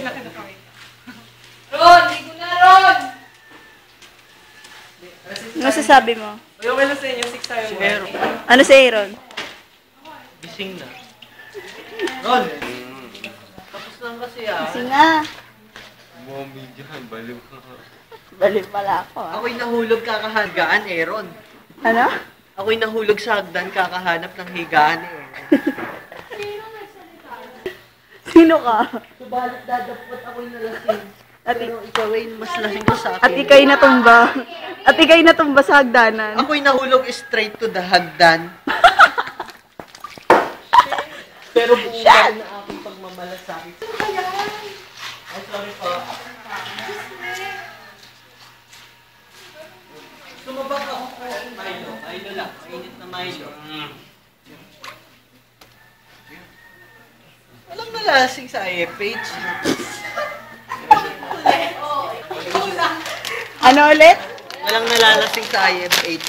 sila kinakawin. Ron! Ligo na, Ron! Ano sasabi mo? Uy, okay lang sa inyo, 6 tayo. Si Aaron. Ano si Aaron? Gising na. Ron! Tapos lang kasi Kasi nga. Mommy dyan, baliw ka. Balik pala ako Ako'y nahulog kakahagaan, Aaron. Ano? Ako'y nahulog sa hagdan kakahanap ng higaan, Aaron. Sino ka? Subalit dadapot ako'y nalasing. Pero ikaw ay mas lasing ka sa akin. At ikay natumba. At ikay natumba sa hagdanan. Ako'y nahulog straight to the hagdan. Pero buong na aking pagmamalasakit. Ay, sorry po. Sumabak ako po. Milo. Milo lang. Mainit na Milo. Walang nalasing sa IFH. Ano ulit? Walang nalalasing sa IFH.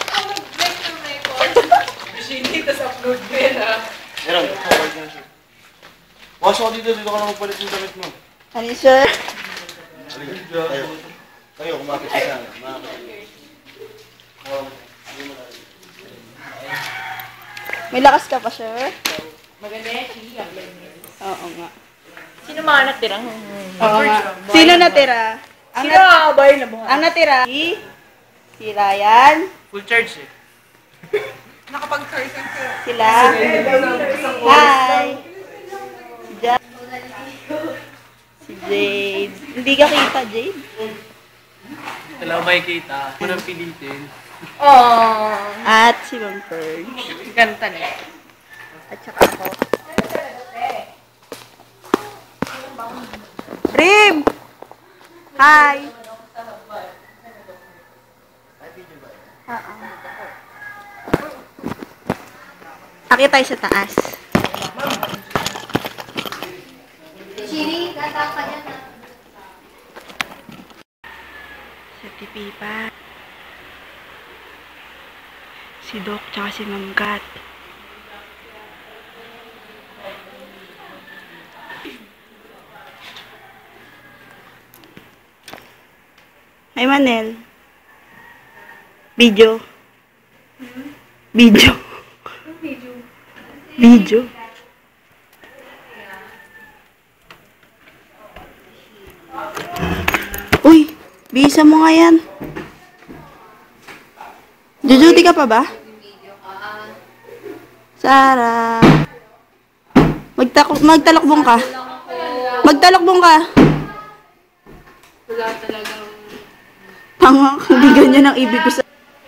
Hindi, tas upload mo yan, ha? Meron, forward na siya. Wash ako dito ka na magpalit yung damit mo. Ano sir? Tayo. Tayo, kumapit ka sana. May lakas ka pa, sir? Maganda yan, siya. Oo nga. Sino mga natirang? Oo nga. Sino natira? Sino ang abay na buhay? Ang natira? Si Ryan. Full charge eh. Nakapag-person ka. Sila. Hi. Si Jack. Si Jade. Hindi ka kita, Jade? Wala ko makikita. Unang pilitin. At si Ma'am Ferge. Ganta na. At saka ako. Rim! Hi! Akit tayo sa taas. Chiri, gata ka dyan ha. Sa Tipipa. Si Doc tsaka si Ma'am Kat. Ay, Manel. Video. Video. Video. Uy, bisa mo nga yan. Jujuti ka pa ba? Sarah. Magtalakbong ka. Magtalakbong ka. Wala talagang... Tanga, hindi ganyan ang ibig ko sa...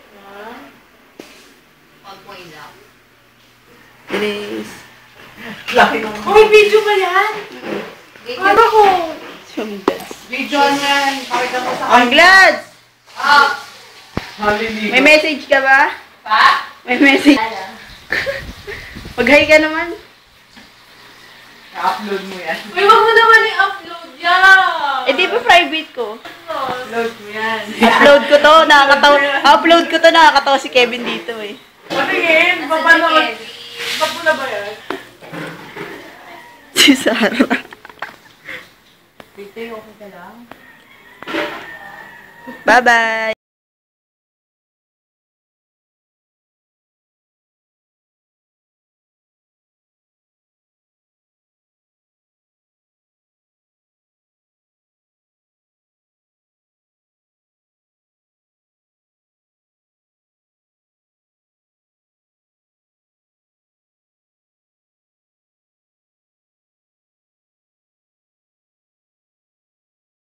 Huwag mo ilak. Bilis. Uy, video ba yan? Ano ko? Video yan. Pakita mo sa Ang glads! Hallelujah. May message ka ba? Pa? May message. Mag-hi ka naman. I-upload mo yan. Uy, wag mo naman i-upload yan. Eh, di ba private ko? Upload mo yan. Upload ko to, upload ko to, nakakatawa si Kevin dito eh. Patingin, paano? Ba't mo na ba yan? Si Sarah. Dito, okay ka lang? Bye-bye!